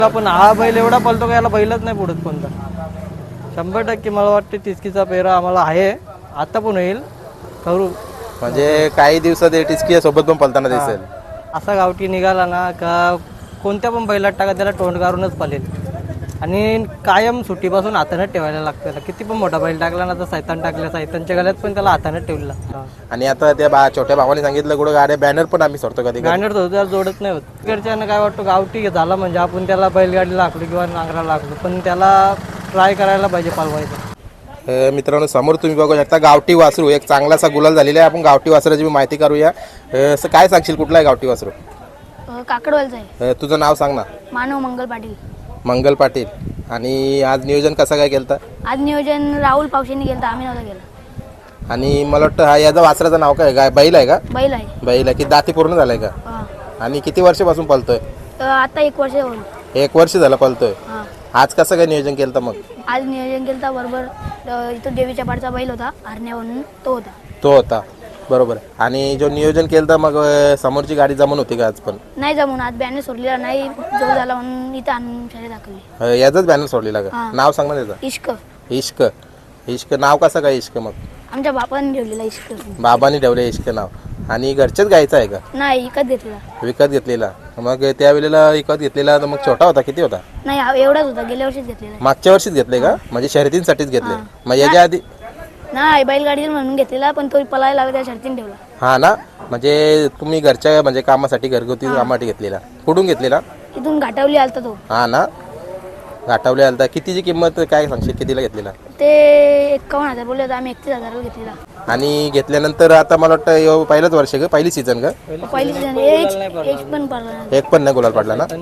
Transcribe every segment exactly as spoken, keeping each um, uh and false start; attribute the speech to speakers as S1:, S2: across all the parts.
S1: पण हा बैल एवढा पळतो का याला बैलच नाही पुढत कोणता. शंभर टक्के मला वाटते टिचकीचा पेरा आम्हाला आहे, आता पण होईल करू.
S2: म्हणजे काही दिवसात टिचकी सोबत पण पळताना दिसेल.
S1: असा गावठी निघाला ना का कोणत्या पण बैलात टाका त्याला तोंड काढूनच पळेल. आणि कायम सुट्टीपासून हाताने ठेवायला लागतं. किती पण मोठा बैल टाकला ना तर सैतान टाकल्या सैतानच्या गळ्यात पण त्याला हाताने ठेवला.
S2: आणि आता त्या बा छोट्या भावाने सांगितलं कुठं गाड्या बॅनर पण आम्ही सोडतो कधी
S1: बॅनर तर त्याला जोडत नाही होत. तिकडच्यानं काय वाटतं गावठी झाला म्हणजे आपण त्याला बैलगाडीला आखलो किंवा नांगराला लागलो, पण त्याला ट्राय करायला पाहिजे पालवायचं.
S2: मित्रांनो समोर तुम्ही बघू शकता गावठी वासरू एक चांगलासा गुलाल झालेला आहे. आपण गावठी वासराची माहिती करूया. असं काय सांगशील कुठला आहे गावठी वासरू?
S3: काकडवालचा आहे.
S2: तुझं नाव सांग ना.
S3: मानव मंगल पाटील.
S2: मंगल पाटील. आणि आज नियोजन कसं काय केलं?
S3: आज नियोजन राहुल पावशेंनी केलं, आम्ही नव्हतं केलं.
S2: आणि मला वाटतं हा याचा वासराचं नाव काय? गाय बैल आहे का?
S3: बैल आहे.
S2: बैल आहे की दाती पूर्ण झालाय का? आणि किती वर्षापासून पळतोय?
S3: आता एक वर्ष होईल.
S2: एक वर्ष झालं पळतोय. आज कसं काय नियोजन केलं मग?
S3: आज नियोजन केलं बरोबर इथं देवीच्या पाडचा बैल होता हरण्या म्हणून, तो होता
S2: तो होता बरोबर. आणि जो नियोजन केलं तर मग समोरची गाडी जमून होती का? आज पण
S3: नाही जमून. आज बॅनर सोडलेला नाही, जो झाला म्हणून इथं आणून शाळेत दाखवली.
S2: याचाच बॅनर सोडलेला का? नाव सांग ना त्याचं.
S3: इश्क.
S2: इश्क. इश्क नाव कसं काय इश्क? मग
S3: आमच्या बापाने ठेवलेला इश्क.
S2: बाबांनी ठेवले इश्क नाव. आणि घरचेच गायचं आहे का?
S3: नाही विकत घेतलेला.
S2: विकत घेतलेला. मग त्यावेळेला विकत घेतलेला तर मग छोटा होता? किती होता?
S3: नाही एवढाच होता, गेल्या वर्षीच घेतलेला.
S2: मागच्या वर्षीच घेतले का? म्हणजे शर्यतींसाठीच घेतले. मग याच्या आधी
S3: नाही बैलगाडी म्हणून घेतलेला, पण तो पळायला लागला त्या शर्तीने ठेवला.
S2: हा ना. म्हणजे तुम्ही घरच्या म्हणजे कामासाठी घरगुती कामासाठी घेतलेला. कुठून घेतलेला?
S3: इथून घाटावली आलता तो.
S2: हा ना. घाटावले आलता. कितीची किंमत काय सांगशील? कितीला घेतलेला?
S3: ते एकावन्न हजार बोलले होते, आम्ही एकतीस हजाराला घेतलेला.
S2: आणि घेतल्यानंतर आता मला वाटतं पहिलंच वर्ष का? पहिली सीझन का?
S3: पहिली सीझन एक पण पडला नाही.
S2: एक पण नाही गुलाल पडला ना.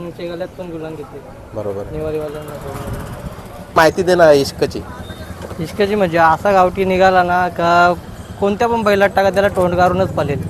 S2: बरोबर. माहिती दे ना इश्कची.
S1: इश्काची म्हणजे असा गावठी निघाला ना का कोणत्या पण बैलात टाका त्याला तोंड काढूनच पळेल.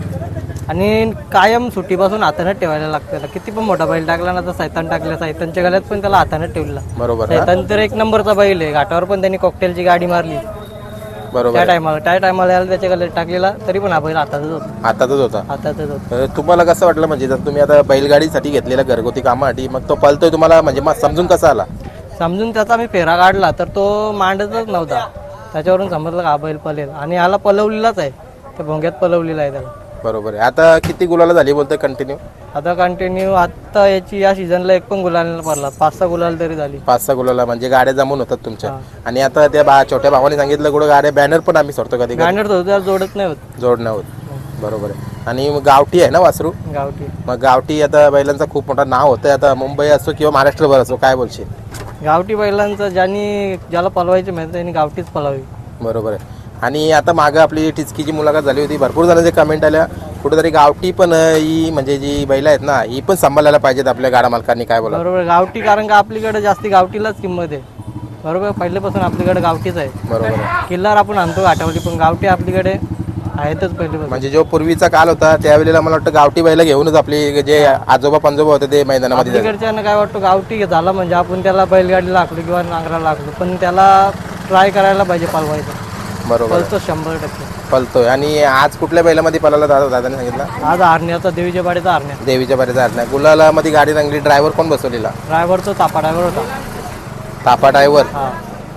S1: आणि कायम सुट्टीपासून हाताने ठेवायला लागतं त्याला. किती पण मोठा बैल टाकला ना तर सैतान टाकल्या सैतानच्या गळ्यात पण त्याला हाताने ठेवला.
S2: बरोबर.
S1: सैतान तर एक नंबरचा बैल आहे. घाटावर पण त्यांनी कॉकटेलची गाडी मारली
S2: बरोबर.
S1: त्या टायमाला त्या टायमाला यायला त्याच्या गळ्यात टाकलेला, तरी पण हा बैल हातातच होता.
S2: हातातच होता.
S1: हातातच होता.
S2: तुम्हाला कसं वाटलं म्हणजे जर तुम्ही आता बैलगाडीसाठी घेतलेला घरगुती कामासाठी, मग तो पळतोय तुम्हाला म्हणजे मग समजून कसा आला?
S1: समजून त्याचा मी फेरा काढला तर तो मांडतच नव्हता. त्याच्यावरून समजलं का हा बैल पळेल. आणि ह्याला पलवलेलाच आहे, त्या भोंग्यात पलवलेला आहे त्याला.
S2: बरोबर आहे. आता किती गुलाला झाली बोलतोय कंटिन्यू?
S1: आता कंटिन्यू आता याची या सीझनला एक पण गुलाल पडला. पाच सहा गुलाल तरी झाली.
S2: पाच सहा गुलाला म्हणजे गाड्या जमून होतात तुमच्या. आणि आता त्या बा छोट्या भावाने सांगितलं कुठं गाड्या बॅनर पण आम्ही सोडतो कधी.
S1: बॅनर तर त्याला जोडत नाही होत.
S2: जोडणं होत. बरोबर आहे. आणि मग गावठी आहे ना वासरू?
S1: गावठी.
S2: मग गावठी आता बैलांचा खूप मोठा नाव होतं. आता मुंबई असो किंवा महाराष्ट्रभर असो, काय बोलशील?
S1: गावठी बैलांचं ज्यांनी ज्याला पलवायचे माहिती त्यांनी गावठीच पलावी.
S2: बरोबर आहे. आणि आता मागं आपली टिचकीची मुलाखत झाली होती, भरपूर जणांचे कमेंट आल्या कुठेतरी गावठी पण ही म्हणजे जी बैल आहेत ना ही पण सांभाळायला पाहिजेत आपल्या गाडा मालकांनी, काय बोला?
S1: बरोबर. गावठी कारण का आपल्याकडे जास्ती गावठीलाच किंमत आहे. बरोबर. पहिल्यापासून आपल्याकडे गावठीच आहे.
S2: बरोबर आहे.
S1: किल्लार आपण आणतो घाटावली, पण गावठी आपल्याकडे आहेतच पहिल्यापासून.
S2: म्हणजे जो पूर्वीचा काल होता त्यावेळेला मला वाटतं गावठी बैल घेऊनच आपली जे आजोबा पंजोबा होते ते मैदानामध्ये
S1: तिकडच्यानं काय वाटतं गावठी झाला म्हणजे आपण त्याला बैलगाडीला आखलो किंवा नांगराला लागलो, पण त्याला ट्राय करायला पाहिजे पालवायचं.
S2: बरोबर.
S1: पळतो शंभर टक्के
S2: पळतोय. आणि आज कुठल्या बैलामध्ये पळाला दादा? दादाने सांगितलं
S1: आज हरण्याचा देवीच्या बाडीचा हरण्या.
S2: देवीच्या बारीचा हरण्या. गुलाला मध्ये गाडी रंगली. ड्रायव्हर कोण बसवलेला?
S1: ड्रायव्हर तो तापा ड्रायव्हर होता.
S2: तापा ड्रायव्हर.
S1: हा.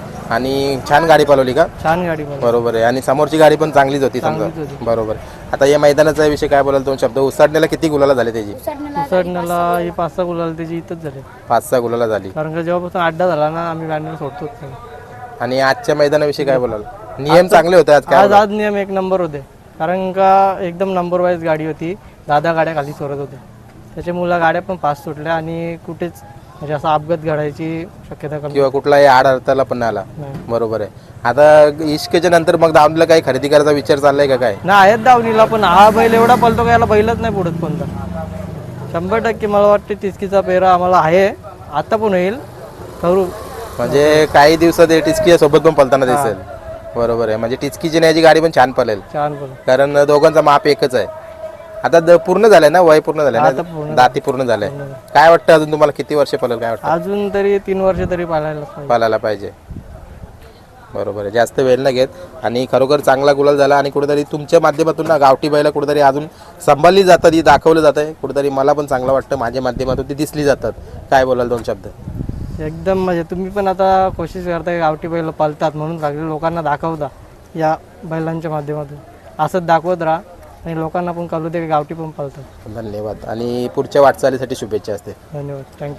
S2: आणि छान गाडी पळवली का?
S1: छान गाडी.
S2: बरोबर आहे. आणि समोरची गाडी पण चांगलीच होती समजा. बरोबर. आता या मैदानाचा विषय काय बोलाल? दोन शब्द. उसाडण्याला किती गुलाला झाले त्याची?
S1: उसडण्याला ही पाच सहा गुलाल त्याची इथंच झाले.
S2: पाच सहा गुलाला झाली.
S1: कारण का जेव्हापासून अड्डा झाला ना आम्ही बॅनर सोडतोच.
S2: आणि आजच्या मैदानाविषयी काय बोलाल? नियम चांगले होते आज?
S1: आज आज नियम एक नंबर होते. कारण का एकदम नंबर वाईज गाडी होती. दादा गाड्या खाली सोडत होते, त्याच्यामुळे गाड्या पण फास्ट सुटल्या आणि कुठेच म्हणजे असा अपघात घडायची शक्यता कमी
S2: किंवा कुठलाही आड अडथळा पण आला. बरोबर आहे. आता इश्कच्या नंतर मग दावणीला काही खरेदी करायचा विचार चाललाय का काय?
S1: ना आहेत दावणीला, पण हा बैल एवढा पळतो का याला बैलच नाही पुढत कोणता. शंभर टक्के मला वाटते टिचकीचा पेरा आम्हाला आहे, आता पण होईल करू.
S2: म्हणजे काही दिवसात टिचकी सोबत पण पळताना दिसेल. बरोबर आहे. म्हणजे टिचकीची न्यायची गाडी पण छान पळेल.
S1: छान पळेल.
S2: कारण दोघांचा माप एकच आहे. आता पूर्ण झालंय ना? वय पूर्ण झालंय ना? दाती पूर्ण झालंय. काय वाटतं अजून तुम्हाला किती वर्ष पळेल? काय वाटतं?
S1: अजून तरी तीन वर्ष तरी पाळायला
S2: पाळायला पाहिजे. बरोबर आहे, जास्त वेळ नाही घेत आणि खरोखर चांगला गुलाल झाला आणि कुठेतरी तुमच्या माध्यमातून ना गावठी बैला कुठेतरी अजून सांभाळली जातात, ही दाखवलं जात आहे कुठेतरी. मला पण चांगलं वाटतं, माझ्या माध्यमातून ती दिसली जातात. काय बोलाल दोन शब्द?
S1: एकदम म्हणजे तुम्ही पण आता कोशिश करताय गावठी बैल पालतात म्हणून सगळ्या लोकांना दाखवता या बैलांच्या माध्यमातून. असंच दाखवत राहा आणि लोकांना पण कळू दे की गावठी पण पालतात.
S2: धन्यवाद आणि पुढच्या वाटचालीसाठी शुभेच्छा असते.
S1: धन्यवाद, थँक्यू.